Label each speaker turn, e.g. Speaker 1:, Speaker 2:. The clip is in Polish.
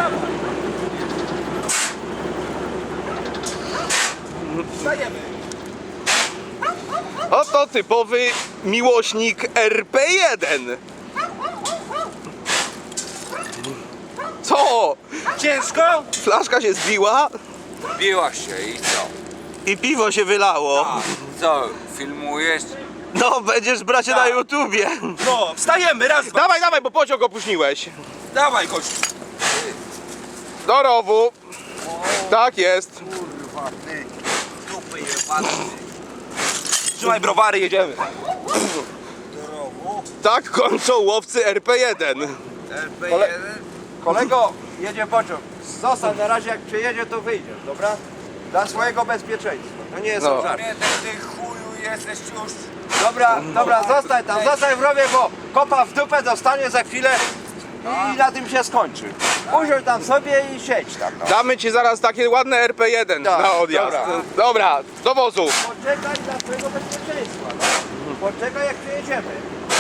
Speaker 1: Wstajemy.
Speaker 2: Oto typowy miłośnik RP1. Co?
Speaker 1: Ciężko?
Speaker 2: Flaszka się zbiła
Speaker 3: Biła się i co?
Speaker 2: i piwo się wylało.
Speaker 3: A, co, filmujesz?
Speaker 2: No, będziesz bracie na YouTubie.
Speaker 1: No, wstajemy, raz, dwa.
Speaker 2: Dawaj, dawaj, bo pociąg opóźniłeś.
Speaker 1: Dawaj, gościu.
Speaker 2: Do rowu. Tak jest.
Speaker 3: Kurwa, ty, dupy jebany.
Speaker 1: Trzymaj browary, jedziemy.
Speaker 3: Do rowu,
Speaker 2: Tak kończą łowcy RP1.
Speaker 3: LP1.
Speaker 1: Kolego, jedzie pociąg. Zostań na razie, jak przyjedzie, to wyjdziesz, dobra? Dla swojego bezpieczeństwa. To nie jest
Speaker 2: No.
Speaker 1: żart.
Speaker 3: Nie, ty chuju jesteś już.
Speaker 1: Dobra, zostań tam, zostań w rowie, bo kopa w dupę dostanie za chwilę i na tym się skończy. Usiądź tam sobie i siedź tam. No.
Speaker 2: Damy ci zaraz takie ładne RP1
Speaker 1: Tak,
Speaker 2: na odjazd. Dobra, do wozu.
Speaker 1: Poczekaj dla swojego bezpieczeństwa. No. Poczekaj, jak przyjedziemy.